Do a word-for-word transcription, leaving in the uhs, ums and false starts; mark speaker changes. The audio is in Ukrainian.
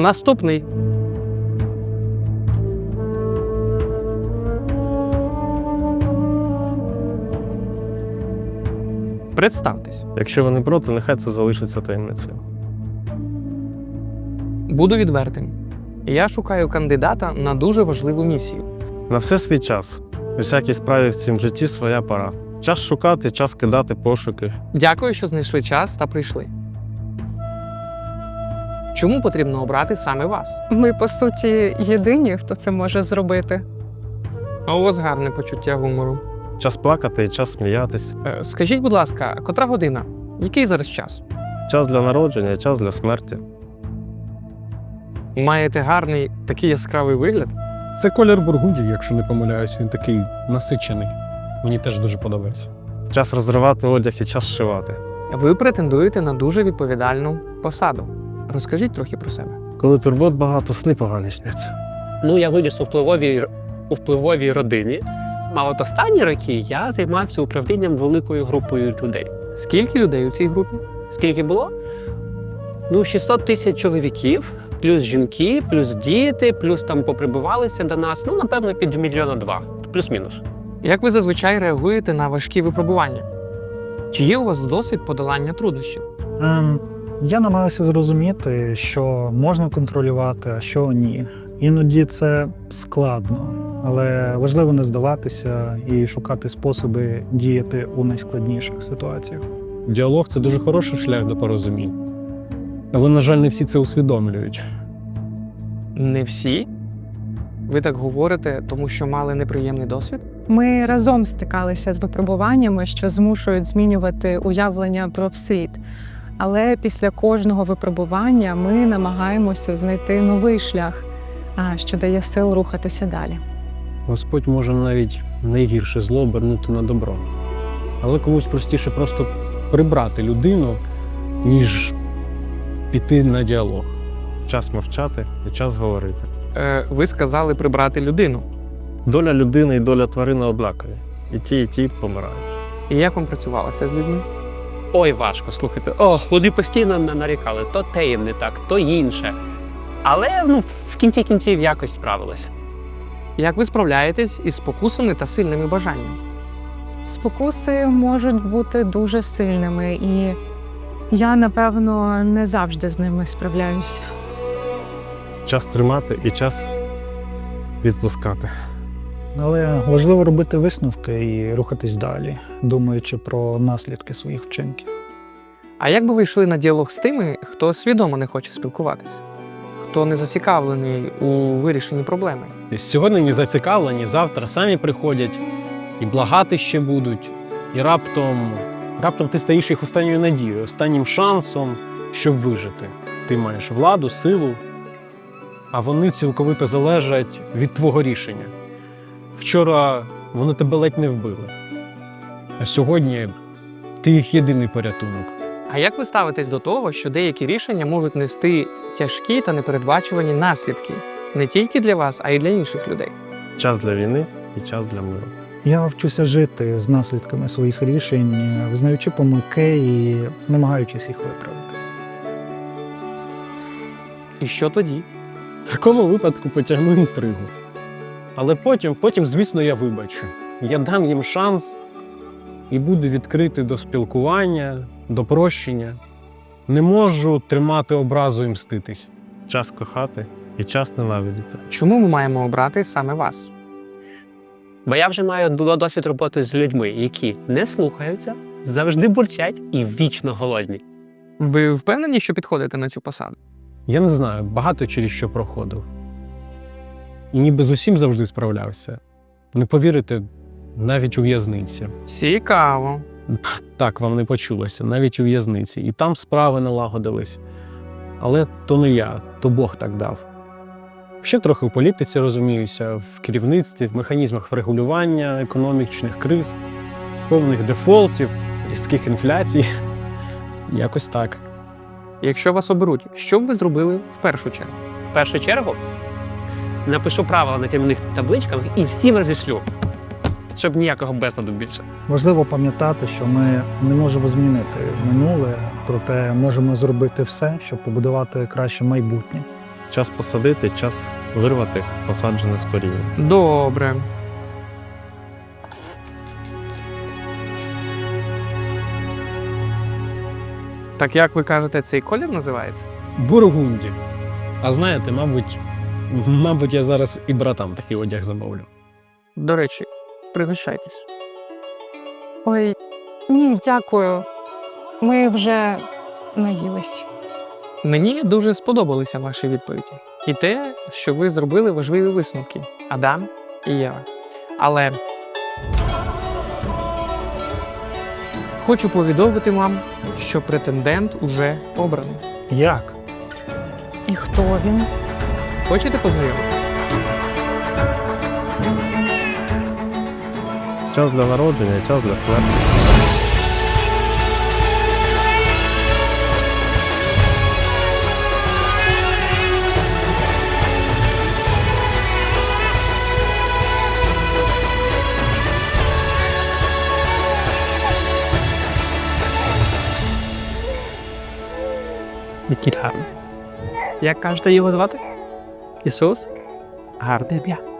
Speaker 1: Наступний. Представтесь.
Speaker 2: Якщо ви не проти, нехай це залишиться таємницею.
Speaker 1: Буду відвертим. Я шукаю кандидата на дуже важливу місію.
Speaker 2: На все свій час. У всякій справі в цім житті своя пора. Час шукати, час кидати пошуки.
Speaker 1: Дякую, що знайшли час та прийшли. Чому потрібно обрати саме вас?
Speaker 3: Ми, по суті, єдині, хто це може зробити.
Speaker 1: А у вас гарне почуття гумору.
Speaker 2: Час плакати і час сміятись.
Speaker 1: Е, Скажіть, будь ласка, котра година? Який зараз час?
Speaker 2: Час для народження, час для смерті.
Speaker 1: Маєте гарний такий яскравий вигляд?
Speaker 4: Це колір бургундів, якщо не помиляюсь, він такий насичений. Мені теж дуже подобається.
Speaker 2: Час розривати одяг і час шивати.
Speaker 1: Ви претендуєте на дуже відповідальну посаду. Розкажіть трохи про себе.
Speaker 2: Коли турбот багато, сни погані сняться.
Speaker 5: Ну, я виріс у впливовій, у впливовій родині. А от останні роки я займався управлінням великою групою людей.
Speaker 1: Скільки людей у цій групі?
Speaker 5: Скільки було? Ну, шістсот тисяч чоловіків, плюс жінки, плюс діти, плюс там поприбувалися до нас. Ну, напевно, під мільйона два, плюс-мінус.
Speaker 1: Як ви зазвичай реагуєте на важкі випробування? Чи є у вас досвід подолання труднощів?
Speaker 6: Ем, я намагаюся зрозуміти, що можна контролювати, а що ні. Іноді це складно, але важливо не здаватися і шукати способи діяти у найскладніших ситуаціях.
Speaker 4: Діалог – це дуже хороший шлях до порозумінь. Але, на жаль, не всі це усвідомлюють.
Speaker 1: Не всі? Ви так говорите, тому що мали неприємний досвід?
Speaker 3: Ми разом стикалися з випробуваннями, що змушують змінювати уявлення про світ. Але після кожного випробування ми намагаємося знайти новий шлях, а, що дає сил рухатися далі.
Speaker 4: Господь може навіть найгірше зло обернути на добро. Але комусь простіше просто прибрати людину, ніж піти на діалог.
Speaker 2: Час мовчати і час говорити.
Speaker 1: Е, ви сказали прибрати людину.
Speaker 2: Доля людини і доля тварини однакові. І ті, і ті помирають.
Speaker 1: І як вам працювалося з людьми?
Speaker 5: Ой, важко, слухайте. О, вони постійно на- нарікали. То те їм не так, то інше. Але, ну, в кінці кінців якось справилися.
Speaker 1: Як ви справляєтесь із спокусами та сильними бажаннями?
Speaker 3: Спокуси можуть бути дуже сильними, і я, напевно, не завжди з ними справляюся.
Speaker 2: Час тримати і час відпускати.
Speaker 6: Але важливо робити висновки і рухатись далі, думаючи про наслідки своїх вчинків.
Speaker 1: А як би ви йшли на діалог з тими, хто свідомо не хоче спілкуватися? Хто не зацікавлений у вирішенні проблеми?
Speaker 4: Сьогодні не зацікавлені, завтра самі приходять і благати ще будуть. І раптом, раптом ти стаєш їх останньою надією, останнім шансом, щоб вижити. Ти маєш владу, силу, а вони цілковито залежать від твого рішення. Вчора вони тебе ледь не вбили, а сьогодні ти їх єдиний порятунок.
Speaker 1: А як ви ставитесь до того, що деякі рішення можуть нести тяжкі та непередбачувані наслідки не тільки для вас, а й для інших людей?
Speaker 2: Час для війни і час для миру.
Speaker 6: Я вчуся жити з наслідками своїх рішень, визнаючи помилки і намагаючись їх виправити.
Speaker 1: І що тоді?
Speaker 4: В такому випадку потягну інтригу. Але потім, потім, звісно, я вибачу. Я дам їм шанс і буду відкритий до спілкування, до прощення. Не можу тримати образу і мститись.
Speaker 2: Час кохати і час ненавидіти.
Speaker 1: Чому ми маємо обрати саме вас?
Speaker 5: Бо я вже маю до- досвід роботи з людьми, які не слухаються, завжди бурчать і вічно голодні.
Speaker 1: Ви впевнені, що підходите на цю посаду?
Speaker 4: Я не знаю, багато через що проходив. І ніби з усім завжди справлявся. Не повірите, навіть у в'язниці.
Speaker 1: Цікаво.
Speaker 4: Так, вам не почулося, навіть у в'язниці. І там справи налагодились. Але то не я, то Бог так дав. Ще трохи в політиці розуміюся, в керівництві, в механізмах врегулювання економічних криз, певних дефолтів, різких інфляцій. Якось так.
Speaker 1: Якщо вас оберуть, що б ви зробили в першу чергу?
Speaker 5: В першу чергу напишу правила на темних табличках і всім розішлю, щоб ніякого безладу більше.
Speaker 6: Важливо пам'ятати, що ми не можемо змінити минуле, проте можемо зробити все, щоб побудувати краще майбутнє.
Speaker 2: час посадити, час вирвати посаджене з коріння.
Speaker 1: Добре. Так як ви кажете, цей колір називається?
Speaker 4: Бургунді. А знаєте, мабуть, мабуть, я зараз і братам такий одяг замовлю.
Speaker 1: До речі, пригощайтесь.
Speaker 3: Ой, ні, дякую. Ми вже наїлись.
Speaker 1: Мені дуже сподобалися ваші відповіді. І те, що ви зробили важливі висновки – Адам і Єва. Але хочу повідомити вам, що претендент уже обраний.
Speaker 6: Як?
Speaker 3: І хто він?
Speaker 1: Хочете познайомитися?
Speaker 2: Час для народження і час для смерті.
Speaker 1: Який гарний. Як кажете його звати? Ісус? Гарне ім'я.